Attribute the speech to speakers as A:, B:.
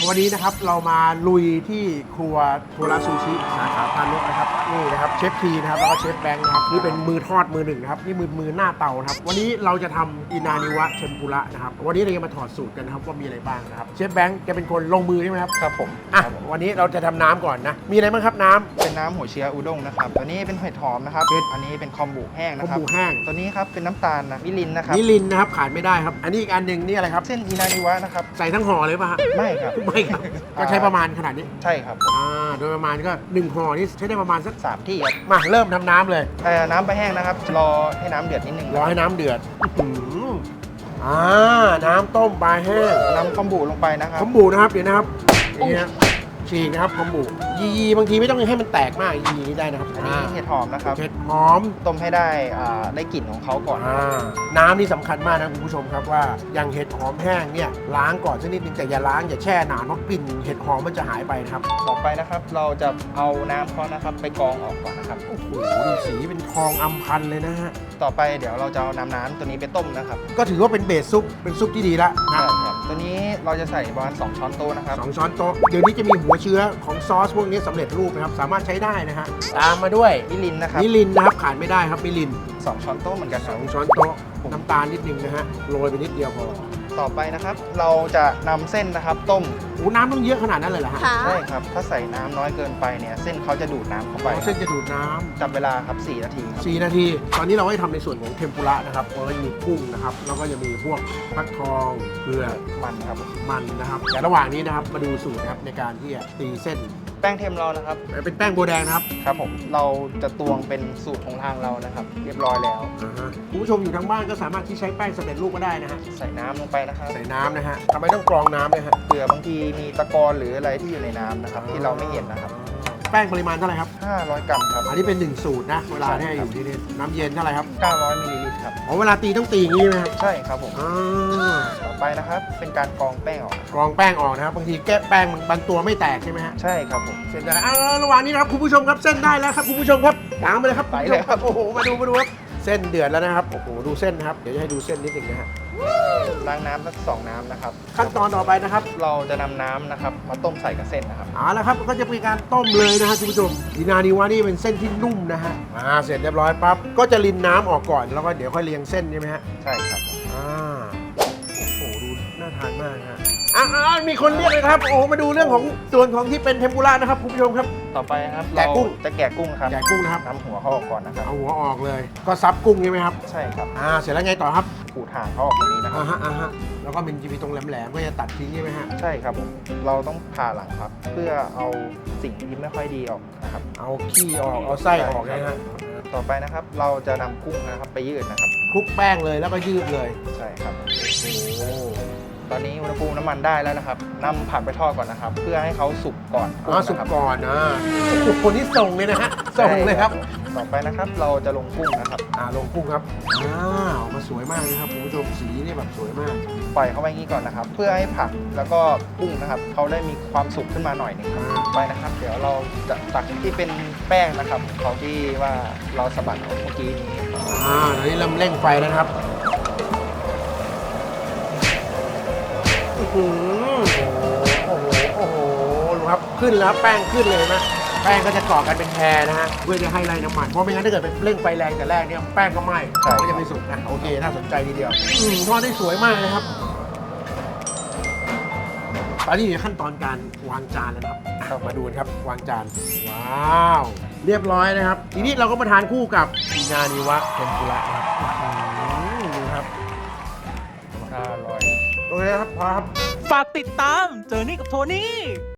A: วันนี้นะครับเรามาลุยที่ครัวโทราซูชิสาขาพานกนะครับนี่นะครับเชฟทีนะครับแล้วก็เชฟแบงค์นะครับนี่เป็นมือทอดมือหนึ่งนะครับนี่มือหน้าเตานะครับวันนี้เราจะทำอินานิวะเทมปุระนะครับวันนี้เราจะมาถอดสูตรกันนะครับว่ามีอะไรบ้างนะครับเชฟแบงค์จะเป็นคนลงมือใช่ไหมครับ
B: ครับผม
A: อ่ะวันนี้เราจะทำน้ำก่อนนะมีอะไรบ้างครับน้ำ
B: เป็นน้ำหัวเชื้ออุด้งนะครับตัวนี้เป็นเห็ดหอมนะครับ
A: เห็ด
B: อันนี้เป็นคอมบุแห้ง
A: ข้าว
B: นะครับ
A: หมูแห้ง
B: ตัวนี้ครับเป็นน้ำตาลนะมิลินนะครับ
A: นิลินนะครับขาดไม่ได้ครับอันนี้อีกอันหนึ่งนี่อะไรครับ
B: เส้นอินานิวะนะครับ
A: ใส่ทั้งห่อเลยป่ะฮะ
B: ไม่ครับ
A: ไม่ครับก็ใช้ประมาณขนาดนี้
B: ใช่ครับผม
A: โดยประมาณก็1ห่อนี่ใช้ได้ประมาณสัก
B: 3 ที่ครับ
A: มาเริ่มทำน้ำเลย
B: น้ำไปแห้งนะครับรอให้น้ำเดือดนิดนึง
A: รอให้น้ำเดือดน้ำต้มปลาแห้ง
B: น้ำคอมบุลงไปนะครับ
A: คอมบูนะครับเดี๋ยวนะครับนี่นะฉีกนะครับคอมบูยีบางทีไม่ต้องให้มันแตกมากยีนี่ได้นะครับ
B: อันนี้เห็ดหอมนะครับ
A: เห็ดหอม
B: ต้มให้ได้ได้กลิ่นของเขาก่อน
A: น้ำนี่สำคัญมากนะคุณผู้ชมครับว่าอย่างเห็ดหอมแห้งเนี่ยล้างก่อนสักนิดนึงแต่อย่าล้างอย่าแช่นานเพราะกลิ่นเห็ดหอมมันจะหายไปนะครับ
B: ต่อไปนะครับเราจะเอาน้ำเขานะครับไปกรองออกก่อนนะครับ
A: โอ้โหดูสีเป็นทองอำพันเลยนะฮะ
B: ต่อไปเดี๋ยวเราจะเอาน้ำตัวนี้ไปต้มนะครับ
A: ก็ถือว่าเป็นเบสซุปเป็นซุปที่ดีละนะ
B: ใช่ครับตัวนี้เราจะใส่ประมาณ2ช้อนโต๊ะนะครับ
A: 2 ช้อนโต๊ะเดี๋ยวนี้จะมีหัวเชื้อของซอสพวกนี้สำเร็จรูปนะครับสามารถใช้ได้นะฮะตามมาด้วย
B: มิลินนะครับ
A: มิลินนะครับขาดไม่ได้ครับมิลิน
B: 2 ช้อนโต๊ะเหมือนกันครับ
A: 2 ช้อนโต๊ะน้ำตาลนิดนึงนะฮะโรยไปนิดเดียวพอ
B: ต่อไปนะครับ เราจะนำเส้นนะครับต้ม
A: โอ้น้ำต้องเยอะขนาดนั้นเลยเหรอฮะ
C: ค่ะ
B: ใช่ครับ ถ้าใส่น้ำน้อยเกินไปเนี่ยเส้นเขาจะดูดน้ำเข้าไป
A: เส้นจะดูดน้
B: จับเวลาครับ4 นาทีครับ
A: ำ4 นาที ตอนนี้เราให้ทำในส่วนของเทมปุระนะครับเราจะมีกุ้งนะครับแล้วก็จะมีพวกฟักทองเกลือ
B: มันครับ
A: มันนะครับแต่ระหว่างนี้นะครับมาดูสูตรนะครับในการที่จะตีเส้น
B: แป้งเทมเรานะครับ
A: เป็นแป้งโบวแดงนะครับ
B: ครับผมเราจะตวงเป็นสูตรของทางเรานะครับ เรียบร้อยแล้ว
A: คุณผู้ชมอยู่ทางบ้านก็สามารถที่ใช้แป้งสำเร็จรูปก็ได้นะฮะ
B: ใส่น้ำลงไปนะครับ
A: ใส่น้ำนะฮะทำไมต้องกรองน้ำด้วยฮะ
B: เผื่อบางทีมีตะกอนหรืออะไรที่อยู่ในน้ำนะครับ ที่เราไม่เห็นนะครับ
A: แป้งปริมาณเท่าไหร่ครับ
B: 500 กรัมครับ
A: อันนี้เป็น1สูตรนะเวลาที่อยู่ที่นี่น้ำเย็นเท่าไหร่ครับ
B: 900 มิลลิลิตรครับ
A: อ๋อเวลาตีต้องตีอย่างนี้ไหมครับ
B: ใช่ครับผม
A: อ่า
B: ต่อไปนะครับ เป็นการกรองแป้งออก
A: กรองแป้งออกนะครับบางทีแก้แป้งบางตัวไม่แตกใช่ไหมฮะ
B: ใช่ครับผม
A: เส้นได้แล้วระหว่างนี้นะครับคุณผู้ชมครับเส้นได้แล้วครับคุณผู้ชมครับล้างไปเลยครับ
B: ไปเลยครับ
A: โอ้โหมาดูครับเส้นเดือดแล้วนะครับโอ้โหดูเส้นนะครับเดี๋ยวจะให้ดูเส้นนิดหนึงนะฮะ
B: ล้างน้ำสัก2 น้ำนะครับ
A: ขั้นตอนต่อไปนะครับ
B: เราจะนำน้ำนะครับมาต้มใส่กับเส้นนะครับ
A: เอาละครับก็จะเป็นการต้มเลยนะฮะคุณผู้ชมอินานิวะนี่เป็นเส้นที่นุ่มนะฮะเสร็จเรียบร้อยปั๊บก็จะรินน้ำออกก่อนแล้วก็เดี๋ยวค่อยเรียงเส้นใช่ไหมฮะ
B: ใช่ครับ
A: โอ้โหดูน่าทานมากนะฮะมีคนเรียกเลยครับโอ้โหมาดูเรื่องของส่วนของที่เป็นเทมปุระนะครับคุณผู้ชมครับ
B: ต่อไปนะครับ
A: แกะกุ้ง
B: เราจะแกะกุ้งครับ
A: แกะกุ้งนะครับ
B: นำหัวเขาออกก่อนนะครับ
A: เอาหัวออกเลย ก็ซับกุ้งใช่ไหมครับ
B: ใช่ครับ
A: เสร็จแล้วไงต่อครับ
B: ขูดหางเขาออกตรงนี้นะครับ
A: ฮะแล้วก็มันจะมีตรงแหลมๆก็จะตัดทิ้งใช่ไหมฮะ
B: ใช่ครับผมเราต้องผ่าหลังครับ เพื่อเอาสิ่งที่ไม่ค่อยดีออกนะครับ
A: เอาขี้ออกเอาไส้ออกนะฮะ
B: ต่อไปนะครับเราจะนำกุ้งนะครับไปยืดนะครับ
A: คลุกแป้งเลยแล้วก็ยืดเลย
B: ใช่ครับ
A: โอ้
B: ตอนนี้อุณหภูมิน้ำมันได้แล้วนะครับนำผักไปทอดก่อนนะครับ เพื่อให้เขาสุกก่อน
A: สุก
B: นะครับ
A: ก่อนนะคนที่ส่งเลยนะฮะส่งเลยครับ
B: ต่อไปนะครับเราจะลงกุ้งนะครับ
A: ลงกุ้งครับออกมาสวยมากนะครับคุณผู้ชมสีนี่แบบสวยมาก
B: ปล่อยเข้าไปงี้ก่อนนะครับ เพื่อให้ผักแล้วก็กุ้งนะครับเขาได้มีความสุกขึ้นมาหน่อยหนึงครับไปนะครับ เดี๋ยวเราจะตักที่เป็นแป้งนะครับเขาที่ว่าเราสะบัดออกเมื่อกี้นี้
A: ตอนนี้เริ่มเร่งไฟแล้วนะครับโอ้โหดูครับขึ้นแล้วแป้งขึ้นเลยนะแป้งก็จะเกาะกันเป็นแพรนะฮะเพื่อจะให้ไล่น้ำมันเพราะไม่งั้นถ้าเกิดเป็นเร่งไฟแรงแต่แรกเนี่ยแป้งก็ไหม้ก็จะไม่สุกนะโอเคน่าสนใจทีเดียวทอดได้สวยมากนะครับตอนนี้อยู่ขั้นตอนการวางจานแล้วนะครับมาดูกันครับวางจานว้าวเรียบร้อยนะครับทีนี้เราก็มาทานคู่กับอินานิวะเทมปุระนะครับดูครับ
B: อร่อย
A: โอเคครับพอครับ
D: ฝากติดตามเจอนี่กับโทนี่